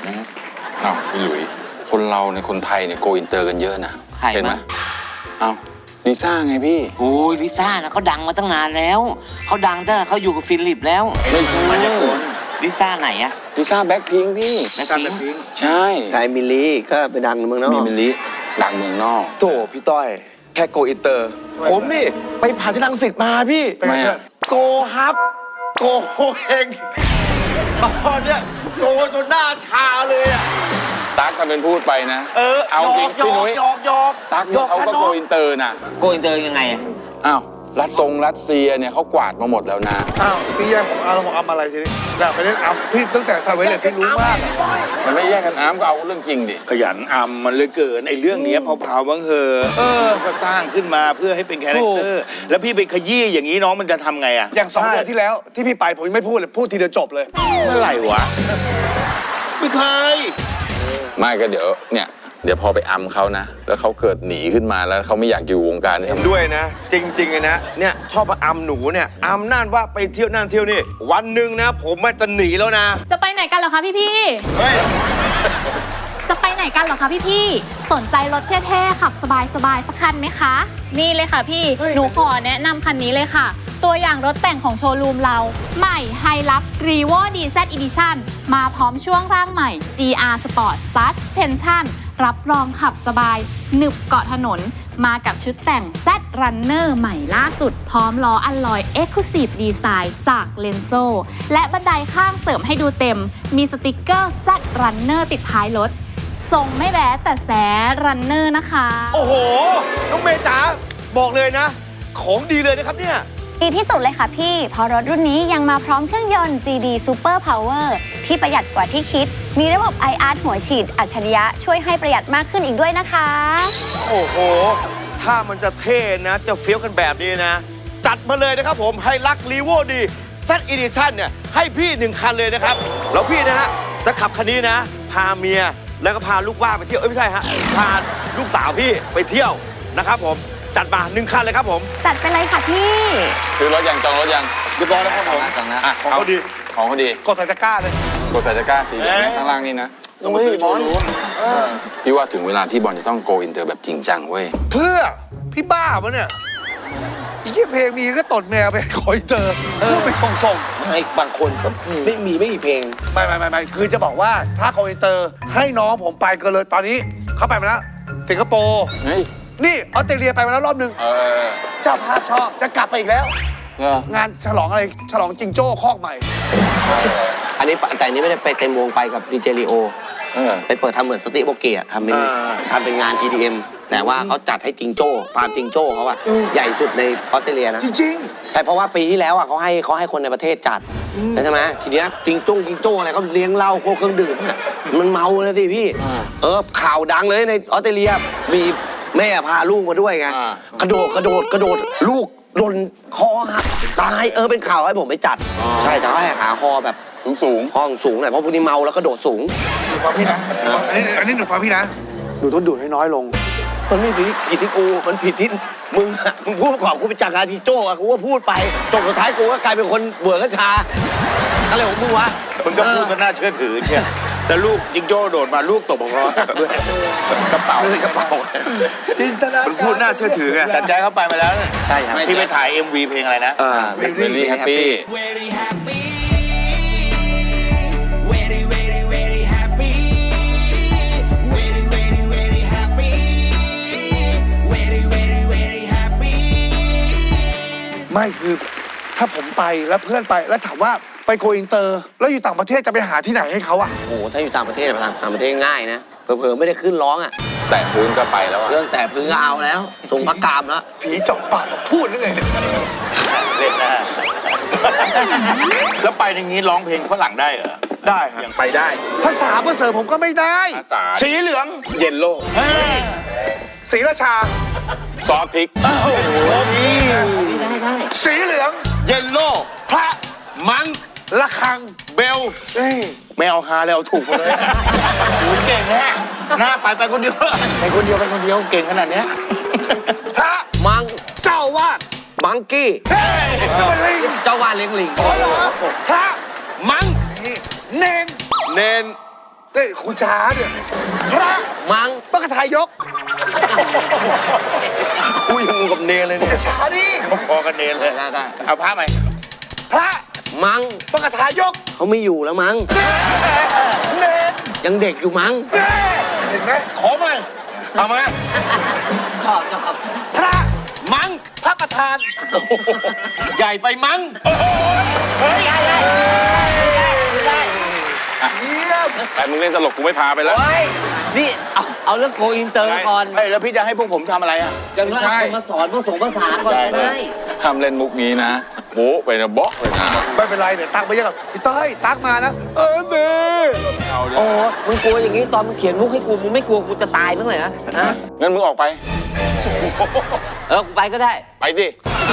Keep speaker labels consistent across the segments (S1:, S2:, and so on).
S1: อ้าวพี่หลุยคนเราในคนไทยเนี่ยโกอินเตอร์กันเยอะนะเห็นไหมอ้าวลิซ่าไงพี่
S2: โอ้ยลิซ่านะเขาดังมาตั้งนานแล้วเขาดังตั้งแต่เขาอยู่กับฟิลิปแล้ว
S1: ไม่ใช่
S2: ลิซ่าไหนอะ
S1: ลิซ่าแบ็คพิงค์พี่
S2: แบ็คพิงค์
S1: ใช่
S3: ไทยมิลลี่ก็ไปดังเมืองนอก
S1: มีมิลลิดังเมืองนอก
S4: โถพี่ต้อยแค่โกอินเตอร์ผมนี่ไปผ่านที่รังสิตมาพี่โกฮับโกเองตอนเนี้ยโกจนหน้าชาเลยอ่ะ
S1: ตั๊กก็เป็นพูดไปนะเอาจริงพี่นุ้ยตั๊กเขาก็โกอินเตอร์นะ
S2: โกอินเตอร์ยังไง
S1: อ้าวรัสเซียเนี่ยเขากวาดมาหมดแล้วนะ
S4: อ้าวพี่แย่งผมเอาผมอะไรทีนี้อยากไปเล่นอัมพี่ตั้งแต่ซาเวเลตพี่รู้มาก
S1: มันไม่แย่งกันอ้ามก็เอาเรื่องจริงดิ
S5: ขยันอัมมันเลยเกินไอ้เรื่องนี้เผาๆบ้างเหอะก็สร้างขึ้นมาเพื่อให้เป็นคาแรคเตอร์แล้วพี่ไปขยี้อย่างนี้น้องมันจะทำไงอ่ะ
S4: อย่าง2 เดือนที่แล้วที่พี่ไปผมไม่พูดเลยพูดทีเดียวจบเลย
S5: เมื่อไหร่วะไม่เคย
S1: ไม่ก็เดี๋ยวพอไปอัมเขานะแล้วเขาเกิดหนีขึ้นมาแล้วเขาไม่อยากอยู่วงการนี้
S4: ด้วยนะจริงๆเลยนะเนี่ยชอบมาอัมหนูเนี่ยอัมนั่นว่าไปเที่ยวนั่นเที่ยวนี่วันหนึ่งนะผมจะหนีแล้วนะ
S6: จะไปไหนกันเหรอคะพี่จะไปไหนกันเหรอคะพี่สนใจรถเท่ๆขับสบายๆสักคันไหมคะนี่เลยค่ะพี่หนูขอแนะนำคันนี้เลยค่ะตัวอย่างรถแต่งของโชว์รูมเราใหม่ Hilux Revo DZ Edition มาพร้อมช่วงร่างใหม่ GR Sport Suspension รับรองขับสบายหนึบเกาะถนนมากับชุดแต่ง Z Runner ใหม่ล่าสุดพร้อมล้ออัลลอย Exclusive Design จาก Lenso และบันไดข้างเสริมให้ดูเต็มมีสติกเกอร์ Z Runner ติดท้ายรถทรงไม่แบดแต่แสรันเนอร์นะคะ
S4: โอ้โหน้องเมย์จ๋าบอกเลยนะของดีเลยนะครับเนี่ย
S7: ดีที่สุดเลยค่ะพี่เพราะรถรุ่นนี้ยังมาพร้อมเครื่องยนต์ GD Super Power ที่ประหยัดกว่าที่คิดมีระบบ IR หัวฉีดอัจฉริยะช่วยให้ประหยัดมากขึ้นอีกด้วยนะคะ
S4: โอ้โหถ้ามันจะเท่นะจะเฟี้ยวกันแบบนี้นะจัดมาเลยนะครับผมให้รักรีโวดี Z Edition เนี่ยให้พี่1 คันเลยนะครับแล้วพี่นะฮะจะขับคันนี้นะพาเมียแล้วก็พาลูกว่าไปเที่ยวไม่ใช่ฮะพาลูกสาวพี่ไปเที่ยวนะครับผมจัดมา1 คันเลยครับผม
S7: จัดไปเลยค่ะพี่
S1: ซื้อรถยังจองรถยัง
S4: เรียบร้อยแล้วครับผมของเขาดีกดใส่ตะกร้าเลย
S1: กดใส่ตะกร้าสีเหลืองข้างล่างนี่นะต้องไปซื้อโชว์รูมพี่ว่าถึงเวลาที่บอลจะต้องโกอินเตอร์แบบจริงจังเว้ย
S4: เพื่อพี่บ้าปะเนี่ยอีกเพลงมีก็ตดแมวไปโกอินเตอร์พูดไปส่ง
S3: ให้บางคนก็ไม่มีเพลง
S4: ไม่คือจะบอกว่าถ้าโกอินเตอร์ให้น้องผมไปก็เลยตอนนี้เขาไปมาแล้วสิงคโปร์นี่ออสเตรเลียไปมาแล้วรอบนึงเจ้าภาพชอบจะกลับไปอีกแล้วงานฉลองอะไรฉลองจิงโจ้คอกใหม่
S3: อันนี้แต่นี้ไม่ได้ไปเต็มวงไปกับดีเจริโอไปเปิดทำเหมือนสติโบเกียทำเป็นงาน EDM แต่ว่าเขาจัดให้จิงโจ้ฟาร์มจิงโจ้เขาอะใหญ่สุดในออสเตรเลียนะ
S4: จริง
S3: แต่เพราะว่าปีที่แล้วอะเขาให้คนในประเทศจัดใช่ไหมทีเนี้ยจิงโจ้อะไรก็เลี้ยงเหล้าโคเครื่องดื่มมันเมาเลยสิพี่ข่าวดังเลยในออสเตรเลียมีแม่พาลูกมาด้วยไงกระโดดลูกโดนคอหักตายเป็นข่าวให้ผมไปจัดใช่แต่ให้หาคอแบบ
S1: สูง
S3: ห้องสูงหน่อยเพราะพวกนี้เมาแล้วก็โดดสูง
S4: หนูฟังพี่นะอันนี้หนูฟังพี่นะหนูต้องดูดให้น้อยลง
S3: มันไม่ผิดที่กูมันผิดที่มึงพูดก่อนกูไปจัดงานพี่โจ้กูก็พูดไปจบสุดท้ายกูก็กลายเป็นคนเบื่อกัญชาอะไรของมึงวะ
S5: มึงก็พูดกันน่าเชื่อถือเชียแต่ลูกจิงโจ้โดดมาลูกตกบกล้ด้วยกระเป๋า
S4: จินตนาการ
S5: มันพูดน่าเชื่อถือไงแต่ใจเขาไปมาแล้ว
S3: ใช่ครับ
S5: ที่ไปถ่าย MV เพลงอะไรนะ
S1: Very Happy
S4: ไม่คือถ้าผมไปแล้วเพื่อนไปแล้วถามว่าไปโกอินเตอร์แล้วอยู่ต่างประเทศจะไปหาที่ไหนให้เขาอะ
S3: โอ้ถ้าอยู่ต่างประเทศง่ายนะเผลอๆไม่ได้ขึ้นร้องอะ
S1: แต่พื้นก็ไปแล้ว
S3: เครื่องแต่พื้นก็เอาแล้วส่งพระกามแล้ว
S4: ผีเจาะปากพูดนึกไง
S5: เล่นนะแล้วไปอย่างนี้ร้องเพลงฝรั่งได้เหรอ
S4: ได้ครับ
S1: ยังไปได้
S4: ภาษาภาษาผมก็ไม่ได้
S5: สีเหลือง
S1: เยลโล่
S4: สีราชา
S1: ซอสพริก
S4: ได้สีเหลืองเยลโล่พระมังระฆังเบล
S5: ไม่เอาฮาแล้วถูกหมดเลยเก่งแน่หน้าไปคนเดียวเก่งขนาดนี้
S4: พระ
S3: มัง
S4: เจ้าวาด
S3: มังกี้เจ้าวาดเลี้ยงลิง
S4: พระมังเนน
S8: เฮ้ยคุณช้าเนี่ยพระ
S3: มัง
S8: มกทายก
S4: คุยงูกับเนรเลยเนี่ย
S8: ช้าดิ
S5: พอกันเนรเลย
S3: ได้
S5: เอาพระไหม
S8: พระ
S3: มัง
S8: มกทายก
S3: เขาไม่อยู่แล้วมัง
S8: เนร
S3: ยังเด็กอยู่มัง
S8: เน่เห็นไหมขอมาเอามา
S2: ชอบ
S8: พระมังพระประธาน
S4: ใหญ่ไปมั้ง
S8: เยี่ยม
S1: แต่มึงเล่นตลกกูไม่พาไปแล้ว
S2: โอ้ยนี่เอาเรื่องโกอินเตอร์ก่อน
S5: เฮ้ยแล้วพี่จะให้พวกผมทำอะไรอ่ะ
S2: อย่างน้อยเอาคนมาสอนภาษาภาษาก่อนก็ได้
S1: ห้ามเล่นมุกนี้นะโบ๊ะไปนะเบาะเลยนะ
S8: ไม่เป็นไรเนี่ยตักไปยังกับพี่ต้อยตักมานะเม
S1: เอาเดี๋ยว
S2: โอ้มึงกลัวอย่างนี้ตอนมึงเขียนมุกให้กูมึงไม่กลัวกูจะตายบ้างเลยนะฮะ
S1: งั้นมึงออกไป
S2: กูไปก็ได้
S1: ไปสิ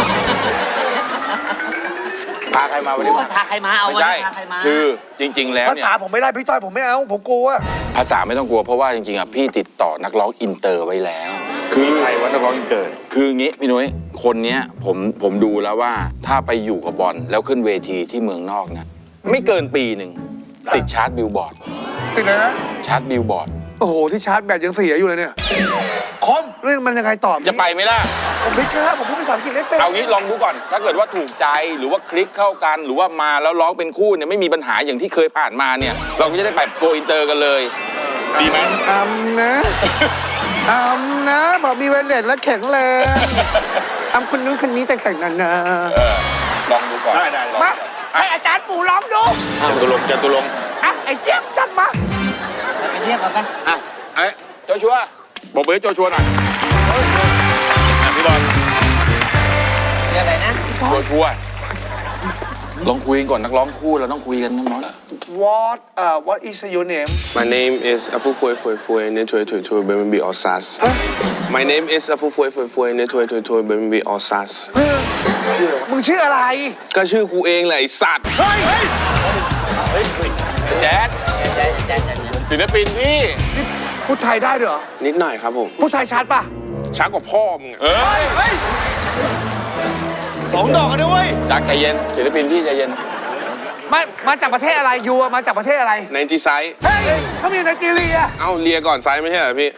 S5: พาใครมาวันนี้
S2: โอ้ยพาใครมาเอา
S1: ไม่
S2: วัน
S1: ใช่
S2: นี้พาใครมา
S1: คือจริง ๆ แล้ว
S8: ภา
S1: เนี่ย
S8: ษาผมไม่ได้พี่ต้อยผมไม่เอาผมกลัว
S1: ภาษาไม่ต้องกลัวเพราะว่าจริงๆอ่ะพี่ติดต่อนักร้องอินเตอร์ไว้แล้ว คือ
S5: ใครวันนักร้องอินเกิด
S1: คืองี้พี่นุ้ยคนเนี้ยผมดูแล้วว่าถ้าไปอยู่กับบอลแล้วขึ้นเวทีที่เมืองนอกนะไม่เกินปีหนึ่งติดชาร์ตบิลบอร์ด
S8: ติดเลยนะ
S1: ชาร์ตบิลบอร์ด
S8: โอ้โหที่ชาร์จแบตยังเสียอยู่เลยเนี่ยคอมเรื่องมันยังไงตอบ
S1: จะไปไหมล่ะ
S8: ผมไม่กล้าผมพูดภาษาอังกฤษไม่เป็น
S1: เอางี้ลองดูก่อน ถ้าเกิดว่าถูกใจหรือว่าคลิกเข้ากัน หรือว่ามาแล้วร้องเป็นคู่เนี่ยไม่มีปัญหาอย่างที่เคยผ่านมาเนี่ย เราก็จะได้แบบโกอินเตอร์กันเลย ดีไหม
S8: นะนะบอกมีไวเลสและแข็งแรงคนนู้นคนนี้แต่งๆนานา
S1: ลองดูก่อน
S5: ได้ลอง
S8: มาให้อาจารย์ปู่ร้องดู
S5: จตุรงค์
S8: อ่ะไอ้เจี๊ยบจัดมา
S2: ไปเรียกกันปะ
S1: อ่ะไอ้โจชัวบอกเบอร์ให้โจชัวหน่อยอ่ะพี่บอล
S2: เรียกอะไรนะ
S1: โจชัวลองคุยกันก่อนนักร้องคู่เราต้องคุยกันน้อง
S8: What is your name
S9: My name is Afufoy Foy Foy Netoy Toy Toy Baby Osas. My name is Afufoy Foy Foy Netoy Toy Toy Baby Osas.
S8: มึงชื่ออะไร
S9: ก็ชื่อกูเองแหละไอ้สัตว์
S1: แจ๊ดศิลปินพี่
S8: พูดไทยได้ด้วยเหรอ
S9: นิดหน่อยครับผม
S8: พูดไทยชัดป่ะ
S9: ช้ากว่าพ่อมึงอะ
S4: 2 ดอกกันด้วยเวย
S1: จากใจเย็นศิลปินพี่ใจเย็น
S8: มาจากประเทศอะไรยูอะมาจากประเทศอะไร
S9: ในจีไซส์
S8: เฮ้ยเขามีไนจีเรีย
S9: เอ้าเลียก่อนไซส์ไม่ใช่เหรอพี่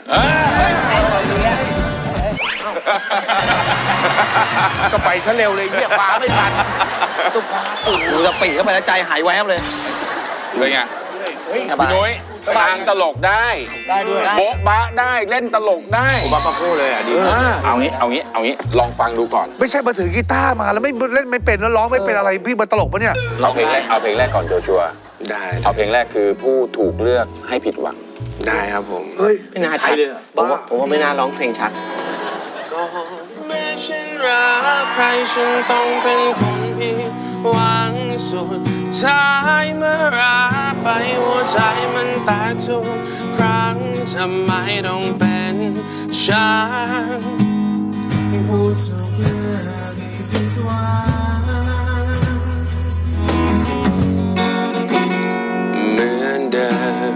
S5: ก็ไปซะเร็วเลยเหี้ยฟ้าไม่ทัน
S3: ดูจะปีเข้าไปแล้วใจหายแวบเลย
S1: เป็นไงพี่นุ้ยทางตลกได้
S5: ได้ด้วย
S1: โบ๊ะบะได้เล่นตลกได้
S5: ผมว่าปะโก้เลยอ่ะดี
S1: เอางี้ลองฟังดูก่อน
S8: ไม่ใช่มาถือกีตาร์มาแล้วไม่เล่นไม่เป็นแล้วร้องไม่เป็นอะไรพี่มาตลกปะเนี่ย
S1: เอาเพลงแรกก่อนโจชัว
S9: ได้
S1: เอาเพลงแรกคือผู้ถูกเลือกให้ผิดหวัง
S9: ได้ครับผม
S8: เฮ้ย
S3: ไม่น่าชัดผมว่าไม่น่าร้องเพลงชัด
S9: ก็แม้ฉันรักใครฉันต้องเป็นคนผิดหวังสุดท้ายเมื่อรักไปหัวใจมันแตกทุกครั้งทำไมต้องเป็นฉันผู้ถูกเลือกให้ผิดหวังเหมือนเดิม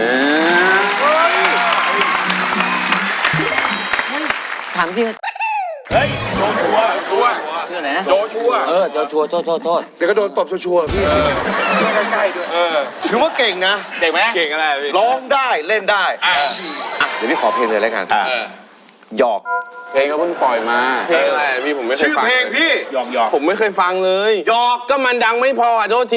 S2: ถามที่
S1: เฮ้ยโจชัว
S2: ชื่ออะไรนะ
S1: โจชัว
S2: โจชัวโทษ
S8: เดี๋ยวก็โดนตบชัวร์ๆพี่ใกล้ๆด้วย
S4: ถือว่าเก่งนะ
S1: เก่งไหม
S9: เก่งอะไรอะพี่
S4: ร้องได้เล่นได้อ่ะเดี๋ยวพี่ขอเพลงเลยแล้วกันหยอก
S1: เพลงเขาเพิ่งปล่อยมา
S9: เพลงอะไรอะพี่ผมไม่เคย
S4: ชื่อ
S9: ฟัง
S4: เพลงพี่
S5: หยอก
S9: ผมไม่เคยฟังเลย
S4: หยอก
S9: ก็มันดังไม่พออ่ะโทษที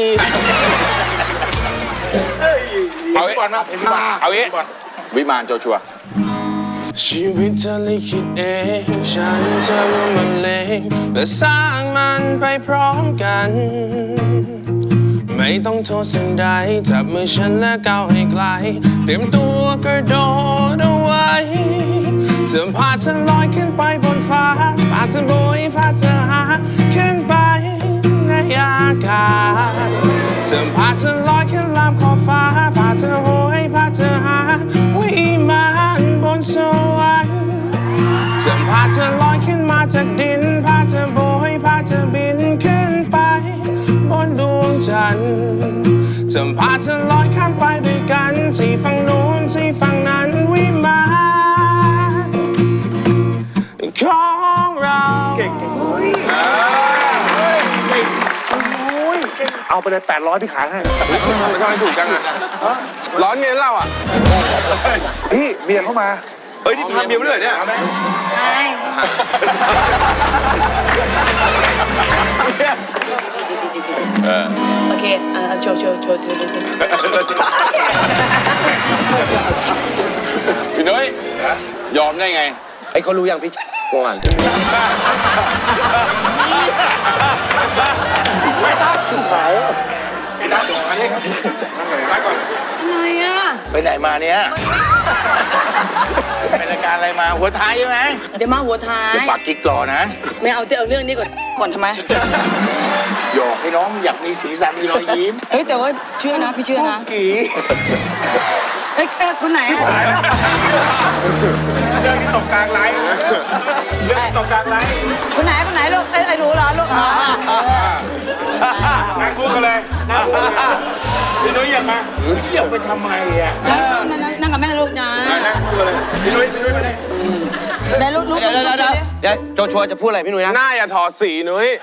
S1: เอางี้เอางี้วิมานโจชัว
S9: ชีวิตเธอลิขิตเองฉันจะร่วมบรรเลงและสร้างมันไปพร้อมกัน ไม่ต้องโทษสิ่งใดจับมือฉันและก้าวให้ไกลเตรียมตัวกระโดดเอาไว้เธอพาเธอลอยขึ้นไปบนฟ้าพาเธอโบยพาเธอหาขึ้นไปในอากาศเธอพาเธอลอยขึ้นลามขอบฟ้าพาเธอโหยพาเธอหาวิมานบนสวรรค์เธอพาเธอลอยขึ้นมาจากดินพาเธอโบยพาเธอบินขึ้นไปบนดวงจันทร์เธอพาเธอลอยข้ามไปด้วยกันที่ฝั่งโน้นที่ฝั่งนั้นวิมานของเรา
S4: เอา
S8: เอาไปเลย800พี่ขายให้
S9: ทำไมถูกจังอ่ะร้อนเงินเราอ่ะ
S8: พี่เมียเข้ามา
S4: เฮ้ยนี่พาเมียมาด้วยเนี่ย
S10: ใช่โอเคโชว์
S1: พี่นุ้ยยอมได้ไง
S3: ไอ้เขารู้ยังพี่ก่อน
S10: อะไรอ่ะ
S5: ไปไหนมาเนี่ยไปรายการอะไรมาหัวท้ายใช่ไหม
S10: เดี๋ยวมาหัวท้าย
S5: จะปากกิ๊กรอนะ
S10: ไม่เอาเอาเรื่องนี้ก่อนทำไม
S5: หยอกให้น้องอยากมีสีสันมีรอยยิ้ม
S10: เฮ้ยแต่ว่าเชื่อนะพี่เชื่อนะเอ้ยคนไหนอ่ะ
S1: เรื่องที่ตกกลางไลฟ์เรื่องที่ตกกลางไลฟ์
S10: คนไหนลูกไอ้หนูเหรอลูก
S1: นั่งคู่กันเลยนั่งคู่กันเลยพี่นุ้ยอยากมา
S5: อยากไปทำไมอ่ะ
S10: นั่งกับแม่ลูกนะ
S1: นั่งคู่กันเลยพี่นุ้ยมาเลย
S10: ได้ลูก
S3: เดี๋ยวโจชัวจะพูดอะไรพี่นุ้ยนะ
S9: หน้าอย่าถอดสีนุ้ย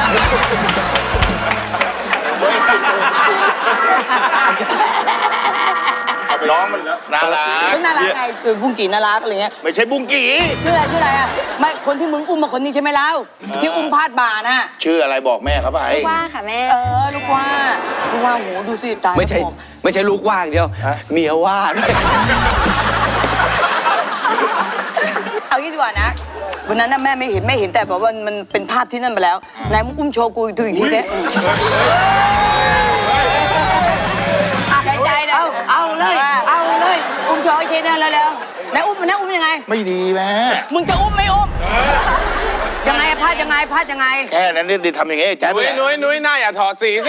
S5: น้องมันน่ารัก
S10: น่ารักไงคือบุ้งกี่น่ารักอะไรเงี้ย
S5: ไม่ใช่บุ้งกี
S10: ชื่ออะไรอ่ะไม่คนที่มึงอุ้มมาคนนี้ใช่ไหมเล่าที่อุ้มพาดบ่าน่ะ
S5: ชื่ออะไรบอกแม่เขาไป
S7: ว่าค่ะแม่
S10: ลูกว่าโหดูสิตาย
S3: ไม่ใช่ลูกว่างเดียวเมียว่าด้วย
S10: เอางี้ดีกว่านะวันนั้นน่ะแม่ไม่เห็นแต่บอกว่ามันเป็นภาพที่นั่นไปแล้วไหนมึงอุ้มโชว์กูดูอีกทีเด้ใจนะเอาเลยอุ้มโชว์อีกทีนึงแล้วไหนอุ้มยังไง
S5: ไม่ดีแม่
S10: มึงจะอุ้มไม่อุ้มยังไงพลาดยังไง
S5: แค่นั้นนี่ทำอย่างงี้แจ๊บ
S9: นุ้ยหน้าอย่าถอดสีสิ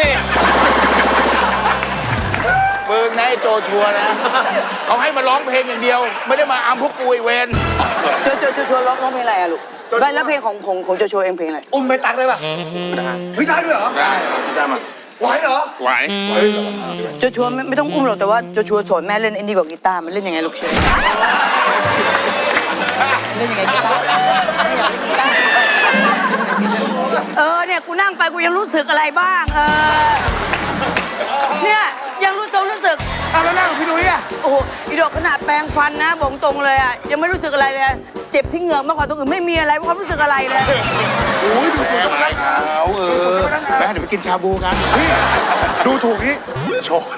S5: มึงนายโจชัวนะเขาให้มาร้องเพลงอย่างเดียว ไม่ได้มาอามพวกกูไอเวน
S10: โจร้องเพลงอะไรอะลูกแล้วเพลงของโจเองเพลงอะไร
S8: อุ้มไปตักได้ป่ะพี่ได้ด้วยเหรอ
S1: ได้พี่จ้ามา
S8: ไหวเหรอ
S1: ไหว
S10: โจไม่ต้องอุ้มหรอกแต่ว่าโจสอนแม่เล่นไอ้นี่กับกีตาร์มันเล่นยังไงลูกเล่นยังไงกีตาร์ไม่อยากเล่นกีตาร์เนี่ยกูนั่งไปกูยังรู้สึกอะไรบ้างเนี่ยยังรู้สึก
S8: เอาแล้วนั่งกับพี่นุ้ยอ่ะ
S10: โอ้โหอีดอกขนาดแปรงฟันนะบอกตรงเลยอ่ะยังไม่รู้สึกอะไรเลยเจ็บที่เหงือกมากกว่าตรงอื่นไม่มีอะไรความรู้สึกอะไรเลย
S5: แม่ไม่เขาแม่เดี๋ยวไปกินชาบูกัน
S8: ดูถูกนี่โชว์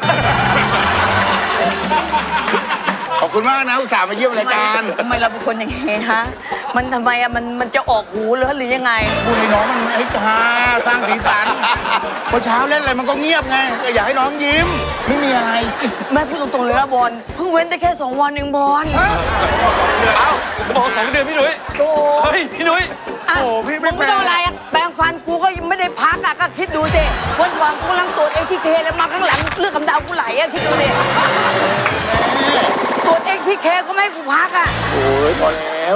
S5: ขอบคุณมากนะอุตส่าห์มาเยี่ยมรายการ
S10: ทำไมเราเป็นคนอย่างงี้ฮะมันทำไมอะมันจะออกหูหรือยังไง
S5: พูดให้น้องมันให้ฮาสร้างสีสันพอเช้าเล่นอะไรมันก็เงียบไงก็อยากให้น้องยิ้มไม่มีอะไร
S10: แม่พูดตรงๆเลยนะบอลเพิ่งเว้นได้แค่2 วันเองบอล
S4: บอก2 เดือนพี่นุ้ย
S10: โอ้
S4: เฮ้ยพี่นุ้ย
S10: อะมึงไม่ต้องอะไรอะแปรงฟันกูก็ยังไม่ได้พักอะก็คิดดูสิวันก่อนกูกำลังตรวจATKแล้วมาข้างหลังเลือดกำเดากูไหลอะคิดดูดิตรวจATKก็ไม่ให้กูพักอะ
S5: โอ้ยพอแล้ว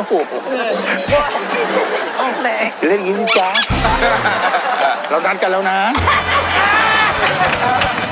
S10: ต้องเลย
S5: เล่นอย่างนี้สิจ๊ะเรานัดกันแล้วนะ